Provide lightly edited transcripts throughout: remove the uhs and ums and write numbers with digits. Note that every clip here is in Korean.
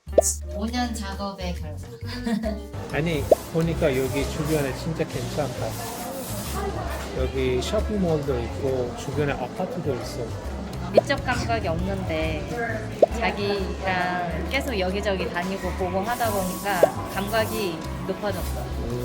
5년 작업의 결과. 아니 보니까 여기 주변에 진짜 괜찮다. 여기 쇼핑몰도 있고 주변에 아파트도 있어. 미적 감각이 없는데 자기랑 계속 여기저기 다니고 보고 하다 보니까 감각이 높아졌어.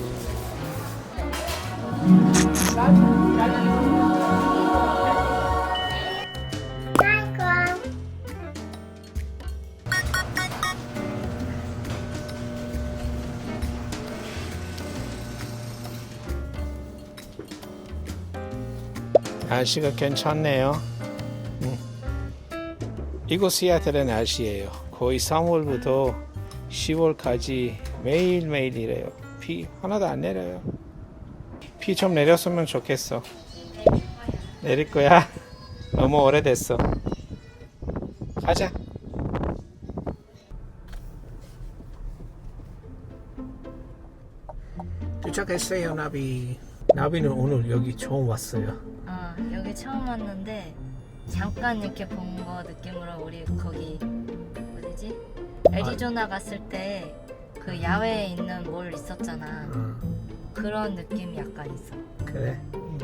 날씨가 괜찮네요. 이곳 시애틀의 날씨예요. 거의 3월부터 10월까지 매일매일 이래요. 비 하나도 안 내려요. 비 좀 내렸으면 좋겠어. 내릴 거야? 너무 오래됐어. 가자. 도착했어요, 나비. 나비는 오늘 여기 처음 왔어요. 여기 처음 왔는데 잠깐 이렇게 본 거 느낌으로 우리 거기 어디지? 애리조나 갔을 때 그 야외에 있는 몰 있었잖아. 그런 느낌이 약간 있어. 그래?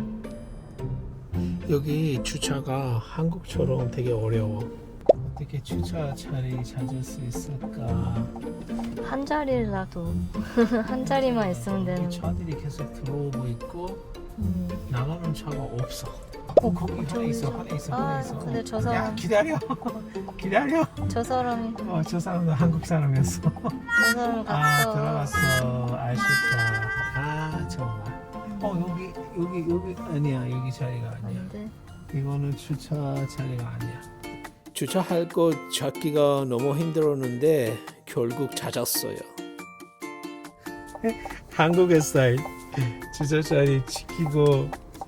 여기 주차가 한국처럼 되게 어려워. 어떻게 주차 자리 찾을 수 있을까? 한 자리라도 한 자리만 있으면 되는. 차들이 계속 들어오고 있고 나가는 차가 없어. 거기 하나 있어, 하나 있어, 하나 있어. 근데 저 야, 사람 기다려, 기다려. 저 사람이 저 사람도 한국 사람이었어. 저 사람 갔어. 들어갔어. 아쉽다. 정말. 여기 아니야. 여기 자리가 아니야. 안돼. 이거는 주차 자리가 아니야. 주차할 곳 찾기가 너무 힘들었는데 결국 찾았어요. 한국의 스타일. 주차 자리 지키고.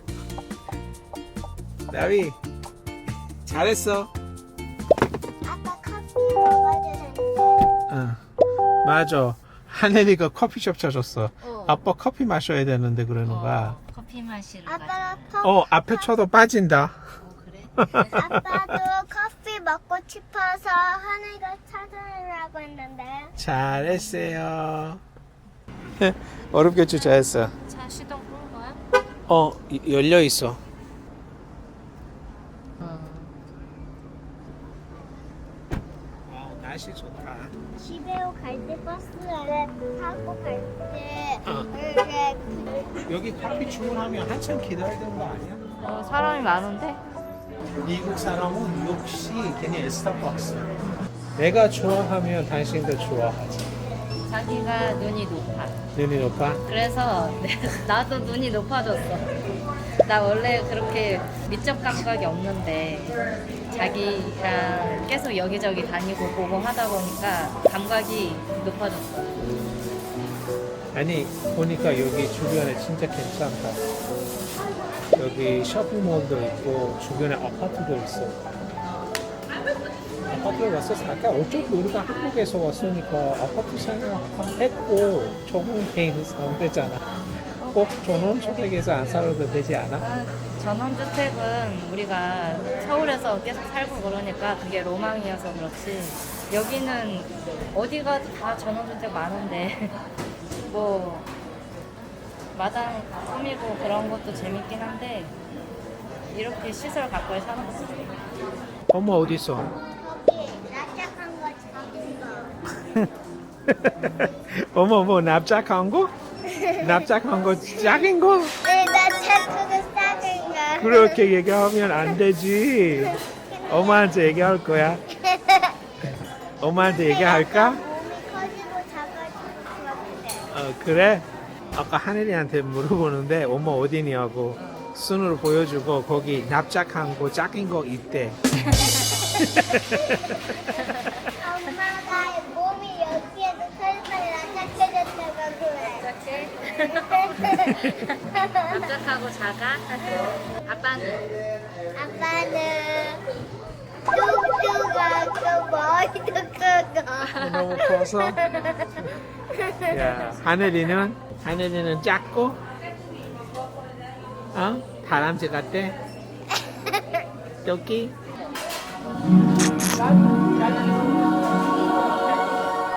나비 잘했어. 아빠 커피 먹어도 되는데? 맞아. 하늘이가 커피숍 찾았어. 아빠 커피 마셔야 되는데 그러는 거야. 커피 마시러 아빠가 가자. 앞에 쳐도 빠진다. 그래? 아빠도 커피 먹고 싶어서 하늘이가 찾으려고 했는데 잘했어요. 어렵게 주차했어. 차 시동 끄는 거야? 열려 있어. 날씨 좋다. 집에 갈 때 버스를 타고 갈 때 여기 커피 주문하면 한참 기다려야 되는 거 아니야? 사람이 많은데? 미국 사람은 역시 그냥 스타벅스. 내가 좋아하면 당신도 좋아하지. 자기가 눈이 높아. 눈이 높아? 그래서 나도 눈이 높아졌어. 나 원래 그렇게 미적 감각이 없는데 자기랑 계속 여기저기 다니고 보고 하다 보니까 감각이 높아졌어. 아니 보니까 여기 주변에 진짜 괜찮다. 여기 쇼핑몰도 있고 주변에 아파트도 있어. 아파트에 와서 살까? 어차피 우리가 한국에서 왔으니까 아파트 생각했고 전원주택에서 사면 되잖아. 꼭 전원주택에서 안 살아도 되지 않아? 전원주택은 우리가 서울에서 계속 살고 그러니까 그게 로망이어서 그렇지. 여기는 어디가 다 전원주택 많은데 뭐 마당 꾸미고 그런 것도 재밌긴 한데 이렇게 시설 가까이 사는 것도 재밌어. 엄마 어디 있어? 거기 납작한 거 작은 거 어머 뭐 납작한 거? 납작한 거 작은 거? 네, 납작한 거 작은 거 그렇게 얘기하면 안 되지. 엄마한테 얘기할 거야. 엄마한테 얘기할까? 몸이 커지고 작아지고 그렇대. 그래? 아까 하늘이한테 물어보는데 엄마 어디냐고 손으로 보여주고 거기 납작한 거 작은 거 있대. 엄마가 몸이 여기에도 털털 납작해졌다고 그래. 납작하고 작아? 아빠는? 아빠는 뚱뚱하고 머리도 크고 너무 커서. 야, 하늘이는 작고, 다람쥐 같대. 여기.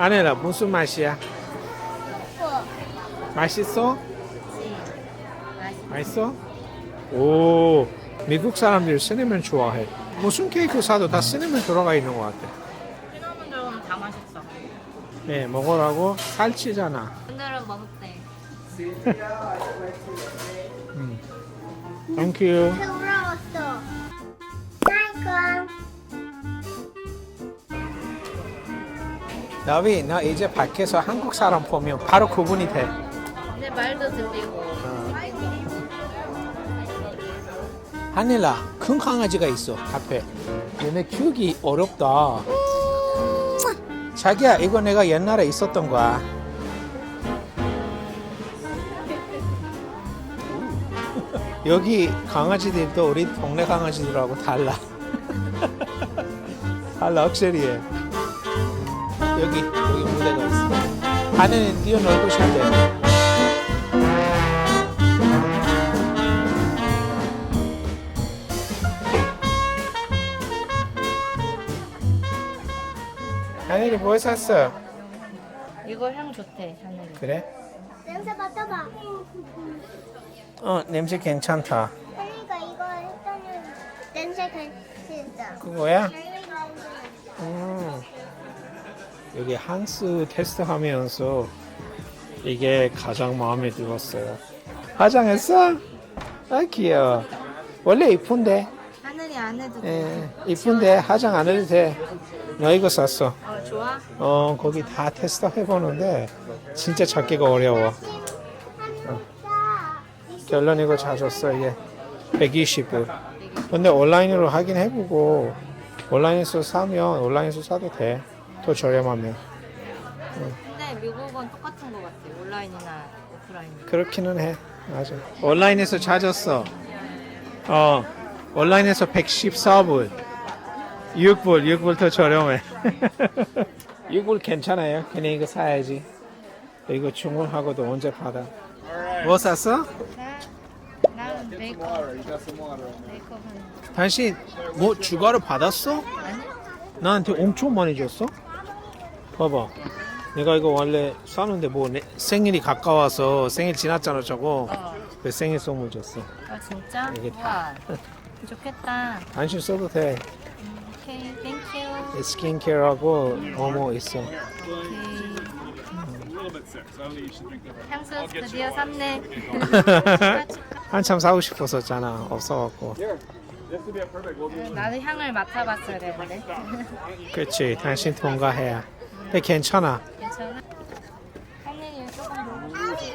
아내라 무슨 맛이야? 어. 맛있어? 맛있어. 맛있어? 오, 미국 사람들이 시네멘 좋아해. 무슨 케이크 사도 다 시네멘 들어가 있는 것 같아. 시나몬 들어가면 다 맛있어. 네, 먹으라고 살찌잖아. 오늘은 먹을게. 땡큐. 부러웠어. 아이고. 나비, 나 이제 밖에서 한국 사람 보면 바로 구분이 돼. 내 말도 들리고. 하늘아, 큰 강아지가 있어, 앞에. 얘네 키우기 어렵다. 자기야, 이거 내가 옛날에 있었던 거야. 여기 강아지들도 우리 동네 강아지들하고 달라. 달라, 확실히. 여기 무대가 있어. 하늘은 뛰어놀고 싶대. 하늘이 뭐 샀어? 이거 향 좋대, 하늘이. 그래? 냄새 맡아봐. 냄새 괜찮다. 혜리가 이거 했더니 냄새 괜찮다. 그거야? 혜리가 여기 한스 테스트 하면서 이게 가장 마음에 들었어요. 화장했어? 아, 귀여워. 원래 이쁜데. 하늘이 안 해도 돼. 예, 이쁜데 화장 안 해도 돼. 나 이거 샀어. 좋아? 거기 다 테스트 해보는데 진짜 찾기가 어려워. 결론 이거 사줬어. 이게 120불. 근데 온라인으로 하긴 해보고 온라인에서 사면 온라인에서 사도 돼. 더 저렴하면. 근데 미국은 똑같은 것 같아. 온라인이나 오프라인. 그렇기는 해. 맞아. 온라인에서 찾았어. 온라인에서 114불. 6불 더 저렴해. 6불 괜찮아요. 그냥 이거 사야지. 이거 주문하고도 언제 받아. 뭐 샀어? 나는 베이컨. 베이컨 당신 뭐 추가로 받았어? 아니? 나한테 엄청 많이 줬어? 봐봐. 내가 이거 원래 사는데 뭐 생일이 가까워서 생일 지났잖아 저거. 그 생일 선물 줬어. 아 진짜? 이게 우와. 좋겠다. 당신 써도 돼. 오케이, 땡큐. 스킨케어하고 뭐뭐 있어. 오케이. 향수 드디어 샀네. 한참 사고 싶었었잖아. 없어갖고. 나도 향을 맡아봤어야 되는데. 그치. 당신 통과해야. 근데 괜찮아. 괜찮아? 하늘이 조금 너무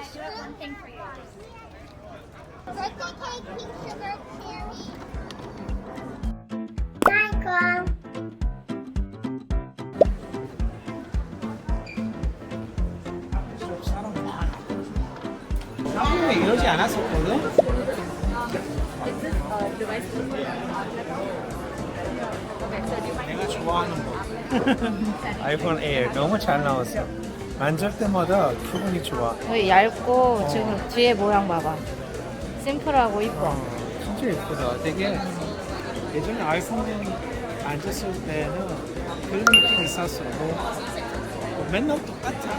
Birthday cake, pink sugar, cherry. 아이고. 한국에 이러지 않았었거든? 내가 좋아하는 거. 아이폰 에어 너무 잘 나왔어. 만질 때마다 기분이 좋아. 여기 얇고 지금 뒤에 모양 봐봐. 심플하고 이뻐. 진짜 예쁘다. 되게 예전에 아이폰 앉았을 때는 그런 느낌이 있었어. 뭐 맨날 똑같아.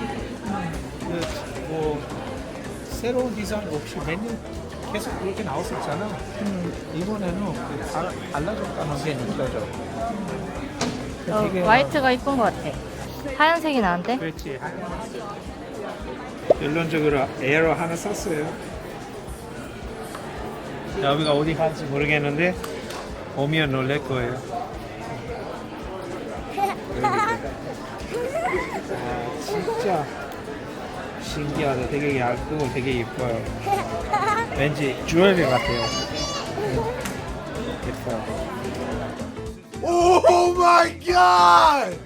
뭐 새로운 디자인 없이 메뉴 계속 그렇게 나왔었잖아. 이번에는 달라졌다는 게 느껴져. 되게 화이트가 이쁜 것 같아. 하얀색이 나은데? 그렇지. 결론적으로 에어로 하나 샀어요. 여기가 어디 갈지 모르겠는데 오면 놀랄 거예요. 아, 진짜 신기하다. 되게 얇고 되게 예뻐요. 왠지 주얼리 같아요. 예뻐요. Oh my God!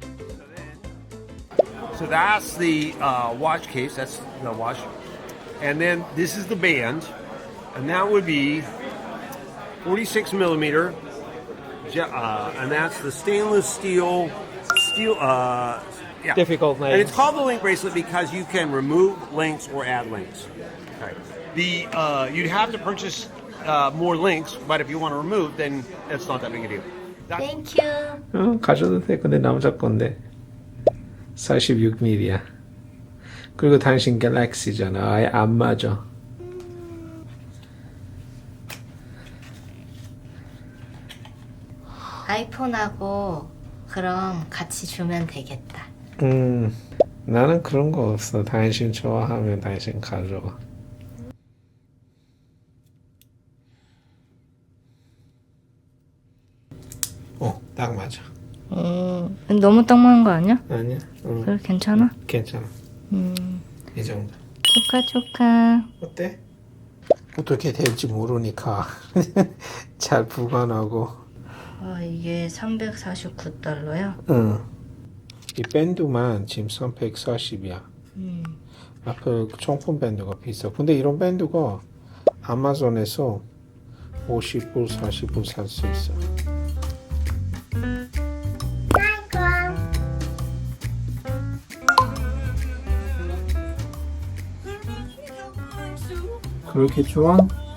So that's the watch case. That's the watch, and then this is the band, and that would be 46 millimeter, and that's the stainless steel. Yeah. Difficult name. And it's called the link bracelet because you can remove links or add links. Okay. You'd have to purchase more links, but if you want to remove, then it's not that big a deal. 땡큐. 가져도 돼. 근데 남자 건데. 46mm야. 그리고 당신 갤럭시잖아. 아예 안 맞아. 아이폰하고 그럼 같이 주면 되겠다. 나는 그런 거 없어. 당신 좋아하면 당신 가져와. 딱 맞아. 너무 딱 맞는 거 아니야? 아니야? 그래 괜찮아? 괜찮아. 이 정도. 축하. 어때? 어떻게 될지 모르니까 잘 보관하고. 이게 349달러야? 응. 이 밴드만 지금 340이야. 앞에 정품 밴드가 비싸. 근데 이런 밴드가 아마존에서 50불, 40불 살 수 있어. 그렇게 좋아?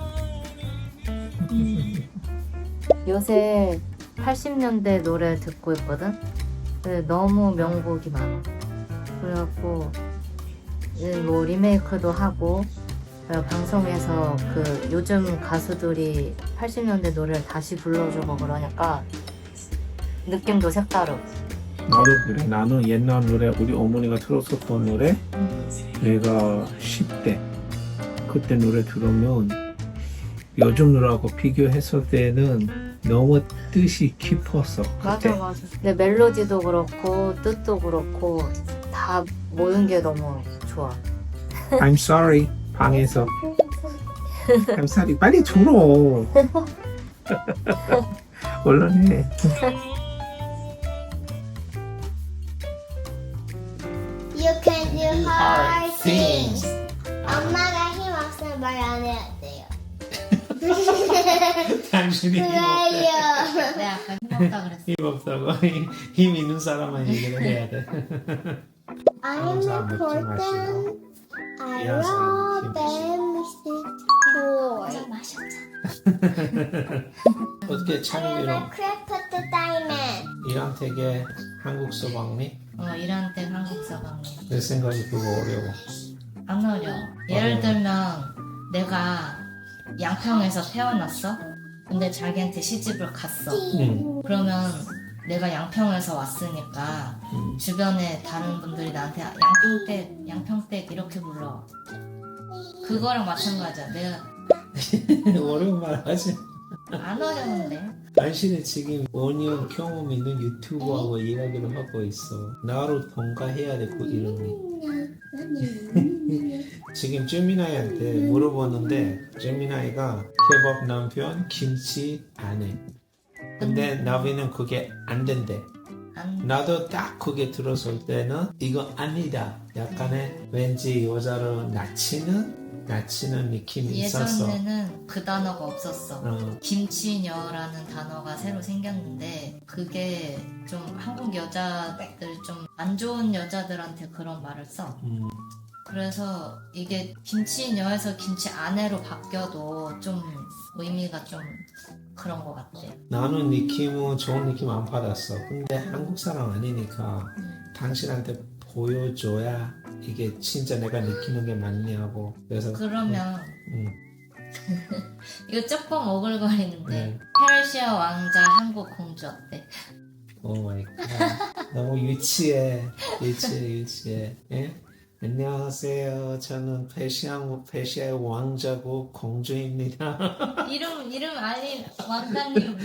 요새 80년대 노래 듣고 있거든? 근데 너무 명곡이 많아. 그래갖고 이제 뭐 리메이크도 하고 방송에서 그 요즘 가수들이 80년대 노래를 다시 불러주고 그러니까 느낌도 색다르고. 나도 그래. 나는 옛날 노래, 우리 어머니가 들었었던 노래, 내가 10대 그때 노래 들으면 요즘 노래하고 비교했을 때는 너무 뜻이 깊었어. 그때. 맞아. 근데 멜로디도 그렇고 뜻도 그렇고 다 모든 게 너무 좋아. I'm sorry. 방에서. I'm sorry. 빨리 들어. 얼른 해. You can do hard things. 엄마가 힘 없으면 말 안 해야 돼요. 당신이 그래요. 내가 아까 힘없다 그랬어. 힘 없다고. 힘 있는 사람만 얘기를 해야 돼. I'm 사람 먹지 important. I 이런 사람 love them. 어떻게 창의로 크래프트 다이맨. 이런 되게 한국 서방니? 이란 때 한국 사방이 내 생각이 그거 어려워. 안 어려워. 예를 들면 내가 양평에서 태어났어. 근데 자기한테 시집을 갔어. 그러면 내가 양평에서 왔으니까 주변에 다른 분들이 나한테 양평댁 이렇게 불러. 그거랑 마찬가지야. 내가 어려운 말 하지. 안 어려운데. 당신은 지금 5년 경험 있는 유튜버하고 이야기를 하고 있어. 나로 통과해야 돼, 그 이름이. 지금 제미나이한테 물어보는데 제미나이가 케밥 남편, 김치 아내. 근데 나비는 그게 안 된대. 나도 딱 그게 들었을 때는 이거 아니다. 약간의 왠지 여자를 낮추는 느낌이 있었어. 예전에는 그 단어가 없었어. 어. 김치녀라는 단어가 새로 생겼는데 그게 좀 한국 여자들 좀 안 좋은 여자들한테 그런 말을 써. 그래서 이게 김치녀에서 김치 아내로 바뀌어도 좀 의미가 좀 그런 것 같아. 나는 느낌은 좋은 느낌 안 받았어. 근데 한국 사람 아니니까 당신한테 보여줘야 이게 진짜 내가 느끼는 게 맞냐고. 그래서 그러면 이거 조금 오글거리는데 네. 페르시아 왕자 한국 공주 어때? 오 마이 갓. 너무 유치해. 예? 안녕하세요. 저는 페시아의 왕자고 공주입니다. 이름 알리 왕자님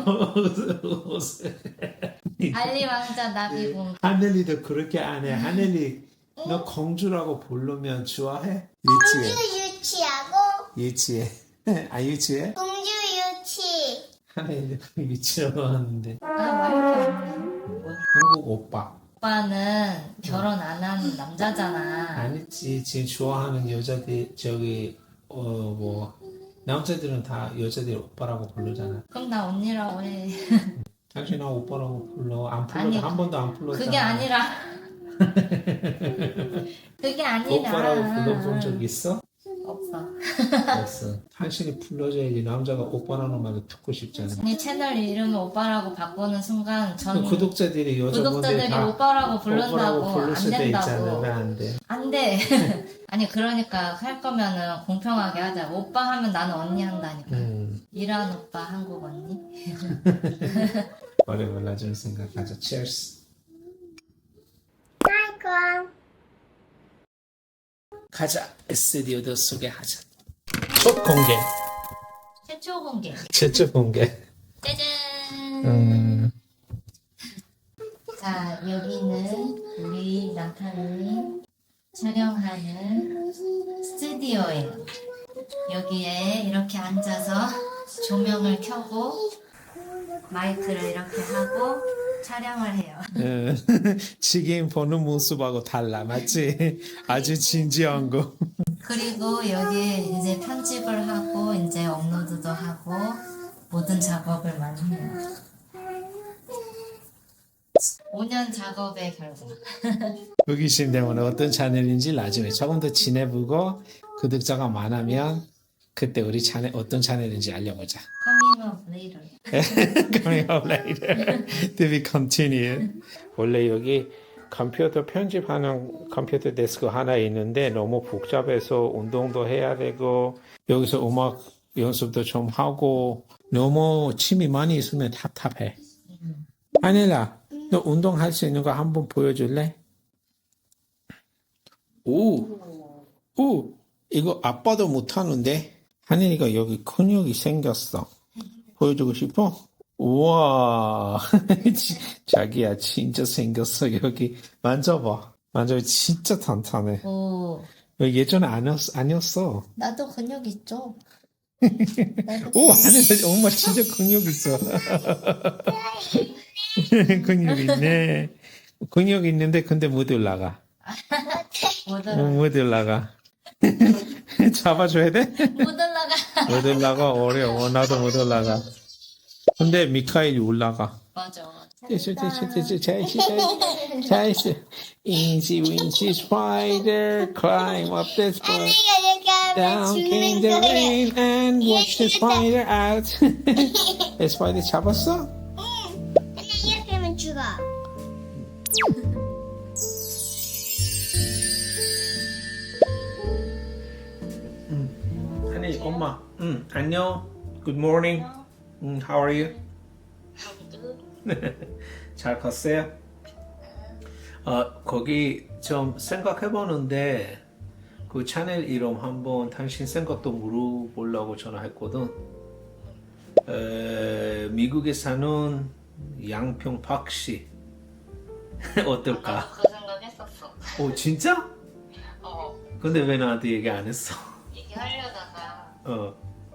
알리 왕자 나비 공주. 하늘이도 그렇게 안 해. 하늘이 너 공주라고 부르면 좋아해? 유치해. 공주 유치하고 유치해. 아 유치해? 공주 유치. 하늘이도 유치라고 하는데. 말이 없네. 한국 오빠. 오빠는 결혼 안 한 남자잖아. 아니지. 지금 좋아하는 여자들 뭐 남자들은 다 여자들 오빠라고 부르잖아. 그럼 나 언니라고 해. 당신 나 오빠라고 불러. 안 불러. 아니, 한 번도 안 불렀잖아. 그게 아니라 그게 아니라 오빠라고 불러본 적 있어? 없어. 없어. 당신이 불러줘야지. 남자가 오빠라는 말을 듣고 싶잖아. 아니 채널 이름을 오빠라고 바꾸는 순간 저는 구독자들이 여자분들 구독자들이 다 오빠라고 부른다고 부를 안 수도 있잖아. 된다고. 왜 안 돼? 안 돼. 아니 그러니까 할 거면은 공평하게 하자. 오빠 하면 나는 언니 한다니까. 이란 오빠 한국 언니. 머리 몰라줄 생각하자. Cheers. 아이고. 가자. 스튜디오도 소개하자. 첫 공개. 최초 공개. 최초 공개. 짜잔. 자 여기는 우리 남편이 촬영하는 스튜디오예요. 여기에 이렇게 앉아서 조명을 켜고 마이크를 이렇게 하고 촬영을 해요. 지금 보는 모습하고 달라, 맞지? 아주 진지한 거. 그리고 여기에 이제 편집을 하고 이제 업로드도 하고 모든 작업을 많이 해요. 5년 작업의 결과. 호기심 때문에 어떤 채널인지 나중에 조금 더 지내보고 구독자가 많으면 그때 우리 채널 어떤 채널인지 알려보자. Coming up later. Coming up later to be continued. 원래 여기 컴퓨터 편집하는 컴퓨터 데스크 하나 있는데 너무 복잡해서 운동도 해야 되고 여기서 음악 연습도 좀 하고 너무 침이 많이 있으면 답답해. 아니라 너 운동할 수 있는 거 한번 보여줄래? 오, 이거 아빠도 못하는데 한이가 여기 근육이 생겼어. 보여주고 싶어? 우와, 자기야 진짜 생겼어. 여기 만져봐. 만져봐. 진짜 탄탄해. 오, 예전에 아니었어. 나도 근육 있죠. 오, 하늘 엄마 진짜 근육 있어. 근육 있네. 근육 있는데 근데 못 올라가. 못 올라가. 잡아줘야 돼? 못 올라가. 못 올라가 어려워. 나도 못 올라가. 근데 미카엘이 올라가. 맞아. 됐어. Easy wincy spider climb up the spider. Down came the rain and watch the spider out. 스파이더 잡았어? 근데 이렇게 하면 죽어. 아니 엄마. 안녕. Good morning. How are you? 잘 컸어요? 거기 좀 생각해보는데 그 채널 이름 한번 당신 생각도 물어보려고 전화했거든. 미국에 사는 양평 박씨 어떨까? 그 생각했었어. 오 진짜? 근데 왜 나한테 얘기 안 했어? 얘기하려다가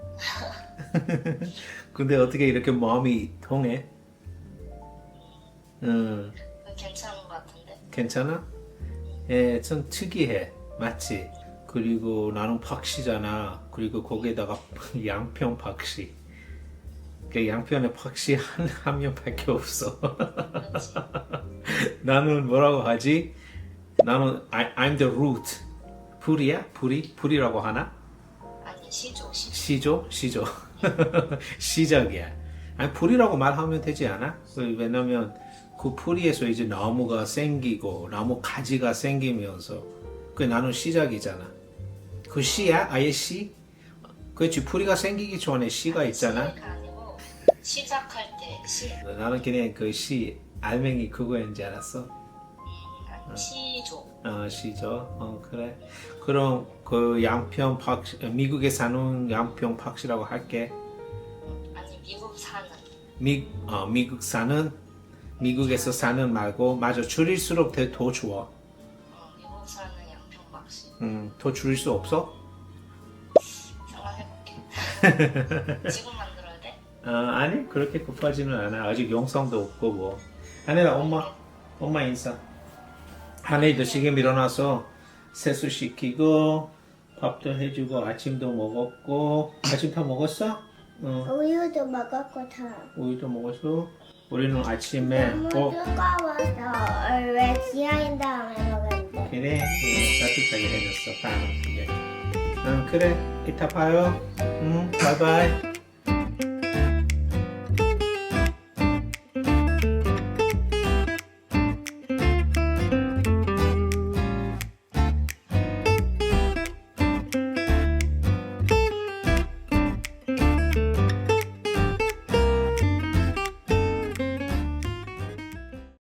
근데 어떻게 이렇게 마음이 통해? 괜찮은 것 같은데. 괜찮아? 예, 좀 특이해. 맞지? 그리고 나는 박씨잖아. 그리고 거기에다가 양평 박씨. 그 양평에 박씨 한 명밖에 없어. 나는 뭐라고 하지? 나는 I'm the root. 불이야? 불이라고 하나? 아니 시조. 시조? 시작이야. 아니 불이라고 말하면 되지 않아? 왜냐면 그 풀이에서 이제 나무가 생기고 나무 가지가 생기면서 그 나는 시작이잖아. 그 씨야? 아예 씨? 그렇지. 풀이가 생기기 전에 씨가 있잖아. 아니고 시작할 때 시. 나는 그냥 그 씨 알맹이 그거인지 알았어. 아니 시조. 시죠. 그래. 그럼 그 양평 박씨, 미국에 사는 양평 박씨라고 할게. 아니 미국 사는. 미국 사는, 미국에서 사는 말고, 맞아. 줄일수록 더 좋아. 미국 사는 양평박씨. 더 줄일 수 없어? 생각해볼게. 지금 만들어야 돼? 아니, 그렇게 급하지는 않아. 아직 영상도 없고, 뭐. 하늘아, 엄마 인사. 하늘이도 지금 일어나서 세수시키고, 밥도 해주고, 아침도 먹었고, 아침 다 먹었어? 우유도 먹었고 다. 우유도 먹었어? 우리는 아침에 너무 뜨거워서 왜 지하인 다음에 먹었는데. 그래 따뜻하게 해줬어. 빵. 그래 이따 봐요. 응 바이바이.